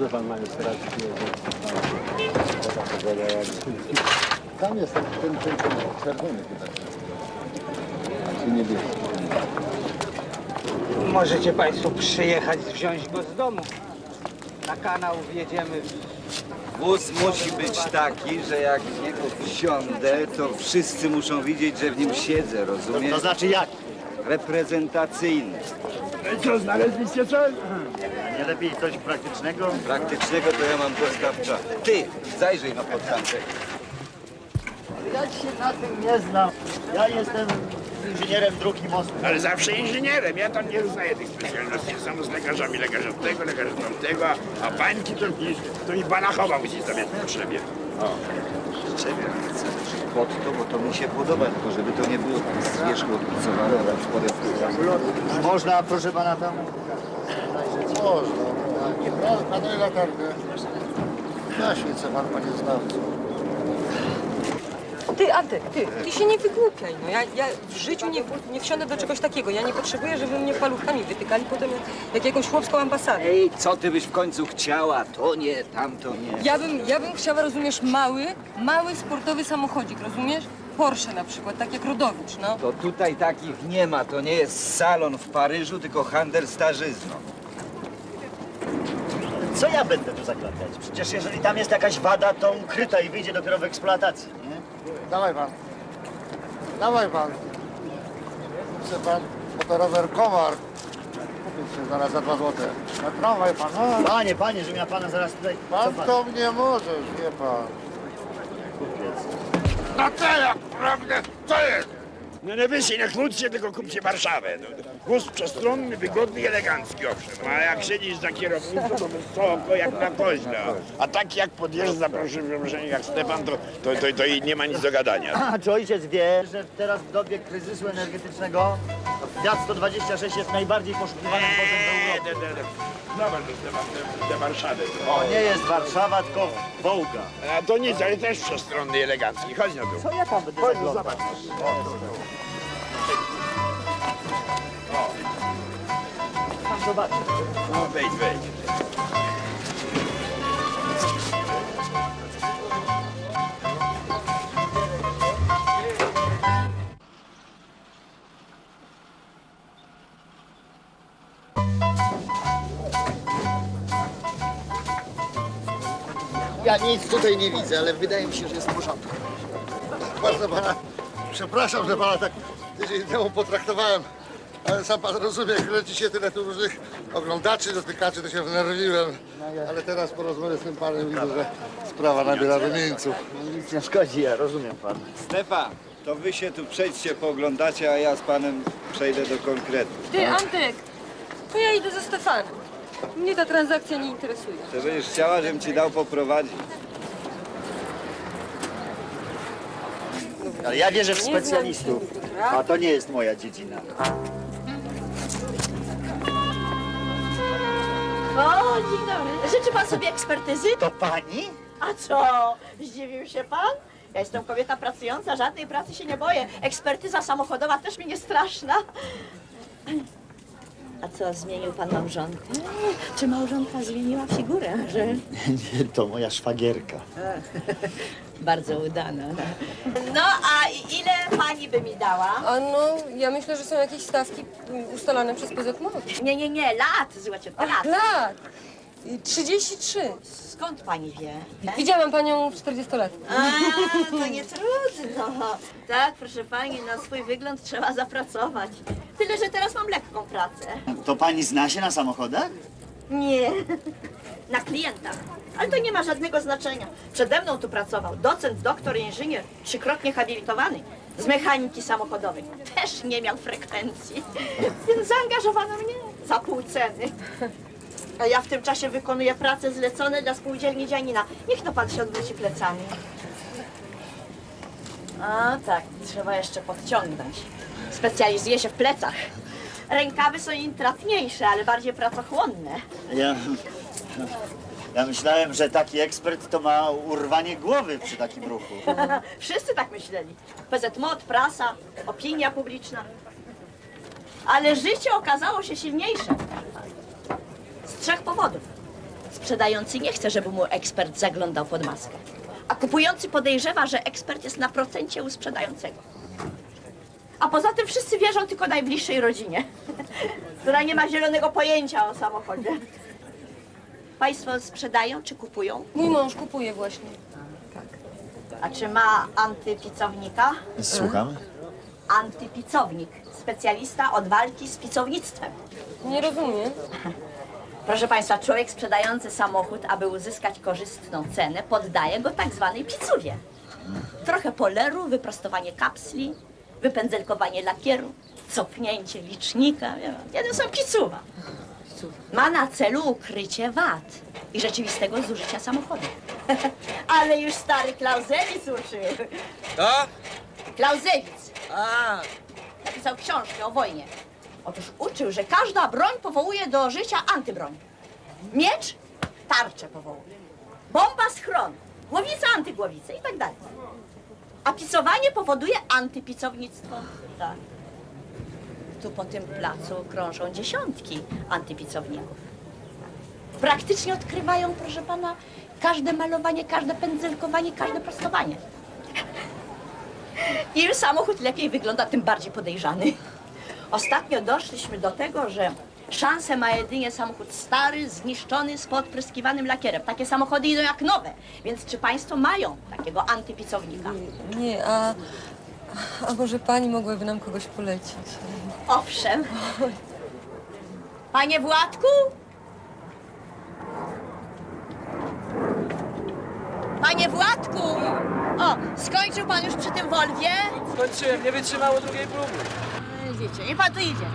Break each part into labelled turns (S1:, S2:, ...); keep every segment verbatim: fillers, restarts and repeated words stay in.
S1: Może pan magistracji tam jest ten, ten, ten, ten czerwony chyba. Czy niebieski?
S2: Możecie państwo przyjechać, wziąć go z domu. Na kanał wjedziemy.
S3: Wóz musi być taki, że jak w niego wsiądę, to wszyscy muszą widzieć, że w nim siedzę, rozumiesz?
S4: To znaczy jak?
S3: Reprezentacyjny.
S4: Co, znaleźliście coś? Nie lepiej coś praktycznego?
S3: Praktycznego to ja mam dostawcza. Ty, zajrzyj na podstawę.
S4: Ja się na tym nie znam. Ja jestem inżynierem dróg i mostów.
S5: Ale zawsze inżynierem, ja tam nie uznaję tych specjalności. Samo z lekarzami, lekarz od tego, lekarz od tamtego, a bańki to mi, to mi balachowa musi stawiać w potrzebie. O.
S3: Czego chcę pod to, bo to mi się podoba, tylko żeby to nie było tak z wierzchu odpicowane, ale spodem.
S4: Można, proszę pana, tam...
S1: Można. Nie pan, panie latarkę. Na świecę pan, panie znawco.
S6: Ty, Antek, ty, ty się nie wygłupiaj, no. Ja, ja w życiu nie, nie wsiądę do czegoś takiego. Ja nie potrzebuję, żeby mnie paluchami wytykali potem jak jakąś chłopską ambasadę.
S3: Ej, co ty byś w końcu chciała? To nie, tamto nie.
S6: Ja bym, ja bym chciała, rozumiesz, mały, mały sportowy samochodzik, rozumiesz? Porsche na przykład, tak jak Rodowicz, no.
S3: To tutaj takich nie ma, to nie jest salon w Paryżu, tylko handel starzyzną.
S4: Co ja będę tu zakładać? Przecież jeżeli tam jest jakaś wada, to ukryta i wyjdzie dopiero w eksploatacji, nie?
S1: Dawaj pan. Dawaj pan. Chce pan motorower Kowar. Kupić się zaraz za dwa złote. Na tramwaj pan. No.
S4: Panie, panie, żebym ja pana zaraz tutaj... Co
S1: Pan
S4: pan?
S1: to mnie możesz, wie pan.
S4: Kupiec.
S5: No co ja, prawda, co jest? No nie wyście, nie kłóćcie, tylko kupcie Warszawę. No, wóz przestronny, wygodny i elegancki, owszem. A jak siedzisz za kierownicą, to wysoko jak na koźle. A tak jak podjeżdża, proszę przepraszenia, jak Stefan, to, to, to, to i nie ma nic do gadania.
S4: A czy ojciec wie, że teraz w dobie kryzysu energetycznego Fiat sto dwadzieścia sześć jest najbardziej poszukiwanym wozem w Europie?
S5: Nie, nie, nie. Zobacz, że Stefan, te, te Warszawy.
S4: To nie jest Warszawa, tylko Wołga.
S5: A to nic, ale też przestronny i elegancki. Chodź na dół.
S4: Co ja tam będę
S5: Chodź,
S4: zaglądał?
S5: zobacz.
S4: Tam zobaczę.
S5: No wejdź, wejdź.
S1: Ja nic tutaj nie widzę, ale wydaje mi się, że jest w porządku. Bardzo pana, przepraszam, że pana tak tydzień temu potraktowałem, ale sam pan rozumie, jak leci się tyle tu różnych oglądaczy, dotykaczy, to się wnerwiłem. Ale teraz po rozmowie z tym panem widzę, że sprawa nabiera rumieńców.
S4: Nic nie szkodzi, ja rozumiem pan.
S3: Stefan, to wy się tu przejdźcie, pooglądacie, a ja z panem przejdę do konkretu.
S6: Ty, Antek, to ja idę ze Stefanem. Mnie ta transakcja nie interesuje.
S3: To będziesz chciała, żebym ci dał poprowadzić.
S4: Ale ja wierzę w specjalistów, a to nie jest moja dziedzina.
S7: O, dzień dobry. Życzy pan sobie ekspertyzy?
S4: To pani?
S7: A co? Zdziwił się pan? Ja jestem kobieta pracująca, żadnej pracy się nie boję. Ekspertyza samochodowa też mi nie straszna. A co, zmienił pan małżonkę? Czy małżonka zmieniła figurę? Że...
S4: Nie, to moja szwagierka.
S7: Bardzo udana. No, a ile pani by mi dała?
S6: A no, ja myślę, że są jakieś stawki ustalane przez P Z M O.
S7: Nie, nie, nie, lat, złociutko, lat.
S6: Lat! trzydzieści trzy.
S7: Skąd pani wie?
S6: Widziałam panią czterdziestolatkę.
S7: A, to nie trudno. Tak, proszę pani, na swój wygląd trzeba zapracować. Tyle, że teraz mam lekką pracę.
S4: To pani zna się na samochodach?
S7: Nie, na klientach. Ale to nie ma żadnego znaczenia. Przede mną tu pracował docent, doktor, inżynier, trzykrotnie habilitowany z mechaniki samochodowej. Też nie miał frekwencji, więc zaangażowano mnie za pół ceny. A ja w tym czasie wykonuję prace zlecone dla spółdzielni Dzianina. Niech no pan się odwróci plecami. A tak, trzeba jeszcze podciągnąć. Specjalizuje się w plecach. Rękawy są intratniejsze, ale bardziej pracochłonne.
S4: Ja... Ja myślałem, że taki ekspert to ma urwanie głowy przy takim ruchu.
S7: Wszyscy tak myśleli. P Z M O, prasa, opinia publiczna. Ale życie okazało się silniejsze. Z trzech powodów. Sprzedający nie chce, żeby mu ekspert zaglądał pod maskę. A kupujący podejrzewa, że ekspert jest na procencie u sprzedającego. A poza tym wszyscy wierzą tylko najbliższej rodzinie, która nie ma zielonego pojęcia o samochodzie. Państwo sprzedają czy kupują?
S6: Mój mąż kupuje właśnie.
S7: A czy ma antypicownika?
S4: Słucham.
S7: Antypicownik. Specjalista od walki z picownictwem.
S6: Nie rozumiem.
S7: Proszę Państwa, człowiek sprzedający samochód, aby uzyskać korzystną cenę, poddaje go tak zwanej picuwie. Trochę poleru, wyprostowanie kapsli, wypędzelkowanie lakieru, cofnięcie licznika. Jeden są picuwa. Ma na celu ukrycie wad i rzeczywistego zużycia samochodu. Ale już stary Clausewitz uczył.
S3: To?
S7: Clausewitz
S3: A,
S7: napisał książkę o wojnie. Otóż uczył, że każda broń powołuje do życia antybroń. Miecz tarczę powołuje. Bomba schron. Głowica antygłowicę i tak dalej. A picowanie powoduje antypicownictwo. Tak. Tu po tym placu krążą dziesiątki antypicowników. Praktycznie odkrywają, proszę pana, każde malowanie, każde pędzelkowanie, każde prostowanie. Im samochód lepiej wygląda, tym bardziej podejrzany. Ostatnio doszliśmy do tego, że szansę ma jedynie samochód stary, zniszczony, z podpryskiwanym lakierem. Takie samochody idą jak nowe. Więc czy państwo mają takiego antypicownika?
S6: Nie, a, a może pani mogłaby nam kogoś polecić?
S7: Owszem. Panie Władku? Panie Władku! O, skończył pan już przy tym Volwie?
S8: Skończyłem, nie wytrzymało drugiej próby.
S7: Wiecie, niech pan tu idzie.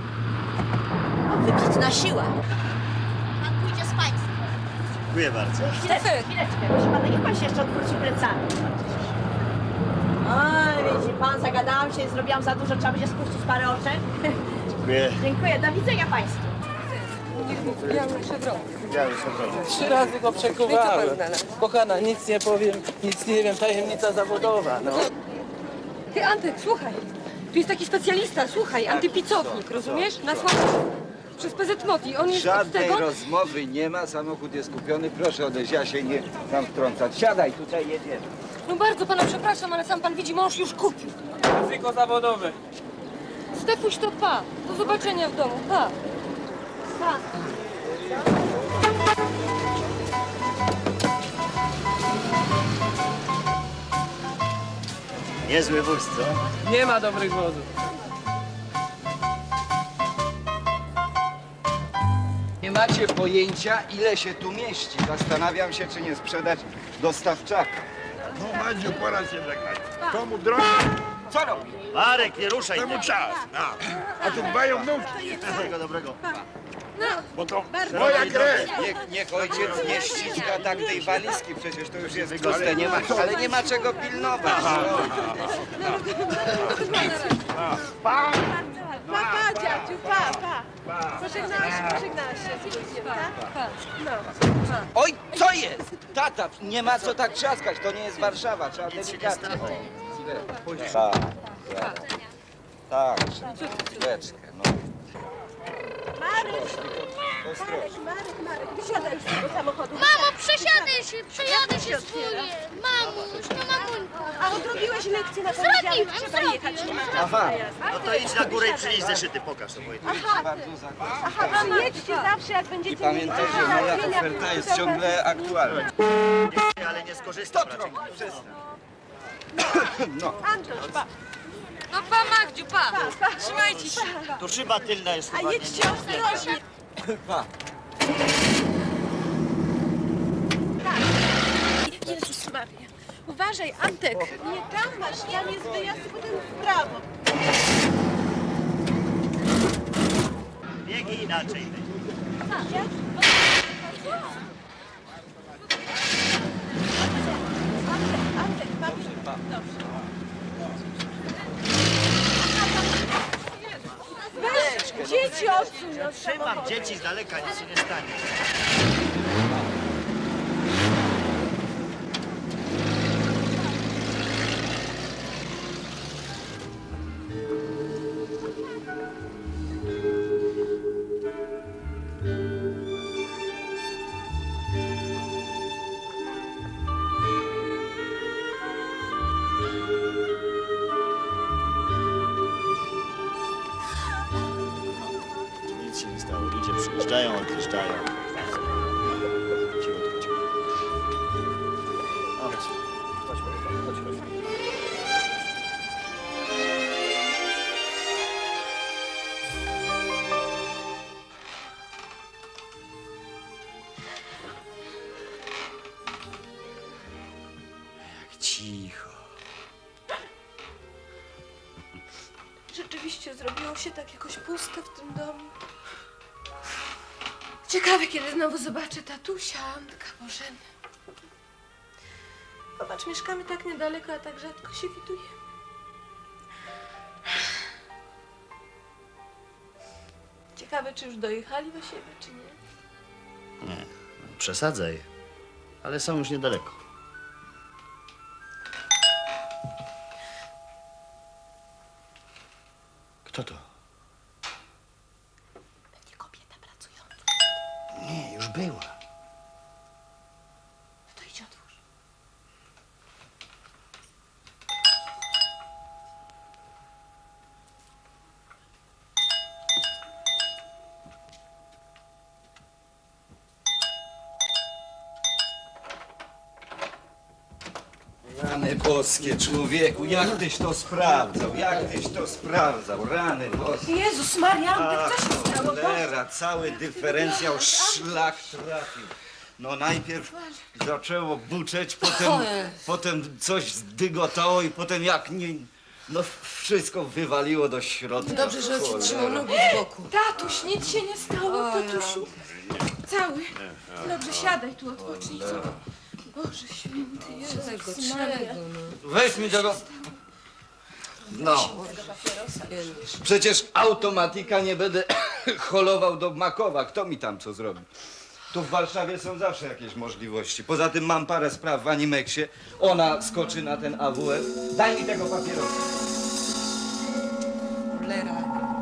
S7: Wybitna siła. Pan pójdzie z państwem.
S4: Dziękuję bardzo.
S7: Chwileczkę, chwileczkę, proszę pana, niech pan się jeszcze odwróci plecami. Oj, widzi pan, zagadałam się i zrobiłam za dużo, trzeba będzie spuścić parę oczek.
S4: Dziękuję.
S7: Dziękuję, do widzenia państwu.
S6: Ja muszę wrócić.
S4: Ja już odwrócę.
S8: Trzy razy go przekuwałem. Kochana, nic nie powiem, nic nie wiem, tajemnica zawodowa, no.
S6: Ty, Antek, słuchaj. Tu jest taki specjalista, słuchaj, antypicownik, rozumiesz? Na słabo. Przez P Z Moti. On jest od
S3: żadnej
S6: tego...
S3: rozmowy nie ma, samochód jest kupiony, proszę odejść, ja się nie tam wtrącać. Siadaj, tutaj jedziemy.
S6: No bardzo pana przepraszam, ale sam pan widzi, mąż już kupił.
S8: Ryzyko zawodowe.
S6: Stefuś, to pa. Do zobaczenia w domu, pa. Pa.
S4: Niezły wóz, co?
S8: Nie ma dobrych wozów.
S3: Nie macie pojęcia, ile się tu mieści. Zastanawiam się, czy nie sprzedać dostawczaka.
S5: No Madziu, pora się żegnać. Komu drogę,
S3: Co robi?
S4: Marek, nie ruszaj
S5: temu
S4: tego.
S5: czas. A, a tu dbają wnówki,
S4: Wszystkiego dobrego.
S5: bo to moja krew.
S3: Niech, niech ojciec nie ściska tak tej walizki, przecież to już jest puste, nie ma, ale nie ma czego pilnować.
S5: Pa!
S9: Pa, dziadziu, pa, pa. Pożegnałaś się, pożegnałaś się z ludźmi, tak?
S3: Oj, co jest? Tata, nie ma co tak trzaskać, to nie jest Warszawa, trzeba delikatnie. Tak, tak, tak, chwileczkę, no.
S9: Marek,
S3: Ostrożnie.
S9: Marek, Marek, wysiadaj już z tego samochodu.
S10: Mamo, przesiadę się, przejadę się swoje. Mamuś, no mamuńko.
S9: A odrobiłeś lekcję na poniedziałek,
S10: Zrobiłam,
S9: trzeba
S10: zrobiłam.
S9: jechać, nie ma czasu
S3: Aha.
S9: na jazdę.
S4: No to idź na górę i przynieś zeszyty, pokaż to Wojtek.
S3: Bardzo zakładam.
S9: Aha, mam jedźcie zawsze, jak
S3: I
S9: będziecie
S3: pamiętaj,
S9: mieli
S3: że moja
S9: załatwienia,
S3: oferta jest
S9: to
S3: ciągle aktualna.
S4: Ale nie skorzystam raczej.
S3: No.
S9: Antoś, pa.
S6: No pa, Magdziu, pa. Trzymajcie się.
S4: Tu szyba tylna jest chyba.
S9: A jedźcie ostrożnie.
S3: Pa.
S9: Jezus Maria. Uważaj, Antek. Nie tam masz, tam jest wyjazd, potem w prawo.
S4: Biegi inaczej.
S9: Antek, pamiętaj. Dobrze. Weź, dzieci odsuń od
S4: Trzymam
S9: samochodu.
S4: dzieci z daleka, nic się nie stanie. Odjeżdżają, odjeżdżają. Cicho, cicho. Chodź, chodź, chodź, chodź. Jak cicho.
S9: Rzeczywiście zrobiło się tak jakoś pusto w tym domu. Ciekawe, kiedy znowu zobaczę tatusia, Antka, Bożeny. Popatrz, mieszkamy tak niedaleko, a tak rzadko się widujemy. Ciekawe, czy już dojechali do siebie, czy nie?
S4: Nie, przesadzaj, ale są już niedaleko. Kto to?
S9: Pewnie kobieta pracująca.
S4: Nie, już była.
S9: No to idź otwórz.
S3: Rany boskie, człowieku, jak tyś to sprawdzał? Jak tyś to sprawdzał? Rany boskie.
S9: Jezus Maria, Antek, co się stało?
S3: Cholera, cały dyferencjał szlak trafił. No najpierw zaczęło buczeć, potem, potem coś zdygotało i potem jak nie... No wszystko wywaliło do środka.
S6: Dobrze, że ci trzymał nogi z boku.
S9: Tatuś, nic się nie stało, tatusiu. Cały. Dobrze, siadaj tu, odpocznij. Boże święty, Jezus Maria.
S3: Weź mi tego... No. Przecież automatika nie będę holował do Makowa. Kto mi tam co zrobi? Tu w Warszawie są zawsze jakieś możliwości. Poza tym mam parę spraw w Animexie. Ona skoczy na ten A W F. Daj mi tego papierosa.